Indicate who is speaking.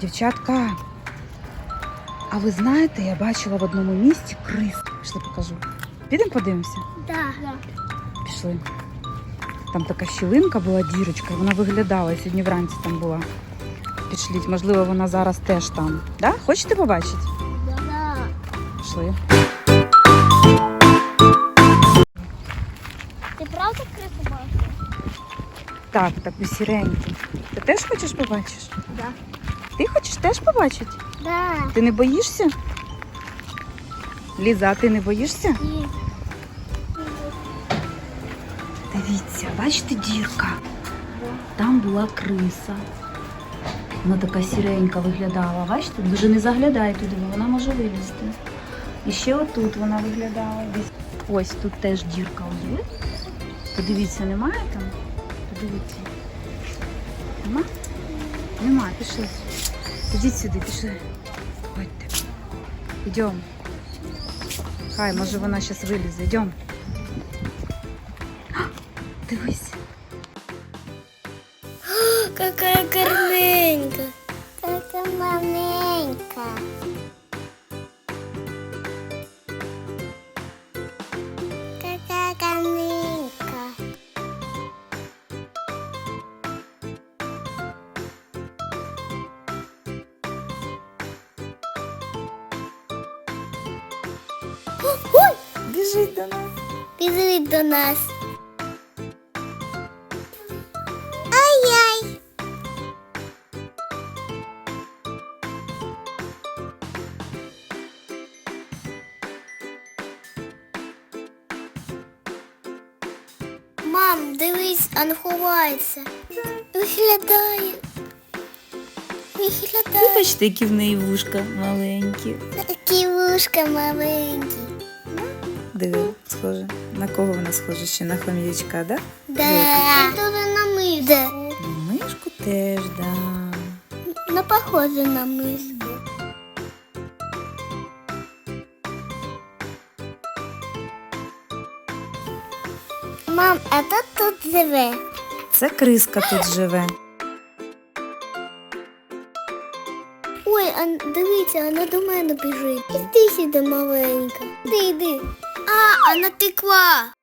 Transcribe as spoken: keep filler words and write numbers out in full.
Speaker 1: Дівчатка, а ви знаєте, я бачила в одному місці крис. Пішли покажу. Підемо подивимося?
Speaker 2: Да.
Speaker 1: Пішли. Там така щілинка була, дірочка, і вона виглядала, сьогодні вранці там була. Пішліть, можливо, вона зараз теж там. Да? Хочете побачити?
Speaker 2: Да.
Speaker 1: Пішли.
Speaker 2: Ти правда крису бачиш?
Speaker 1: Так, таку сіреньку. Ти теж хочеш побачити?
Speaker 2: Да.
Speaker 1: Ти хочеш теж побачити?
Speaker 2: Да.
Speaker 1: Ти не боїшся? Ліза, а ти не боїшся?
Speaker 2: І...
Speaker 1: Дивіться, бачите, дірка? Там була криса. Вона така сіренька виглядала. Бачите? Дуже не заглядай туди, бо вона може вилізти. І ще отут вона виглядала. Десь. Ось тут теж дірка є. Подивіться, немає там? Подивіться. Нема? Нема, пішли. Ідіть сюди, пішли. Ходьте. Йдемо. Хай, може вона зараз вилізе. Йдемо. Дивись.
Speaker 2: Какая гарненька. Така маленька. Какая гарненька. Ой!
Speaker 1: Біжить до нас.
Speaker 2: Біжить до нас. Ай-яй! Мам, дивись, а не ховається. Виглядає. Виглядає.
Speaker 3: Бачите, які в неї вушка маленькі.
Speaker 2: Такі вушка маленькі.
Speaker 3: Диви, схоже. На кого вона схожа? Ще на хом'ячка, да?
Speaker 2: Да. Дуже на миску.
Speaker 3: На мишку теж, да.
Speaker 2: Не похоже на миску. Мам, а хто тут живе?
Speaker 3: Це криска тут живе.
Speaker 2: Ой, а дивіться, вона до мене біжить. Іди сюди, маленька. Іди, йди. А, вона текла.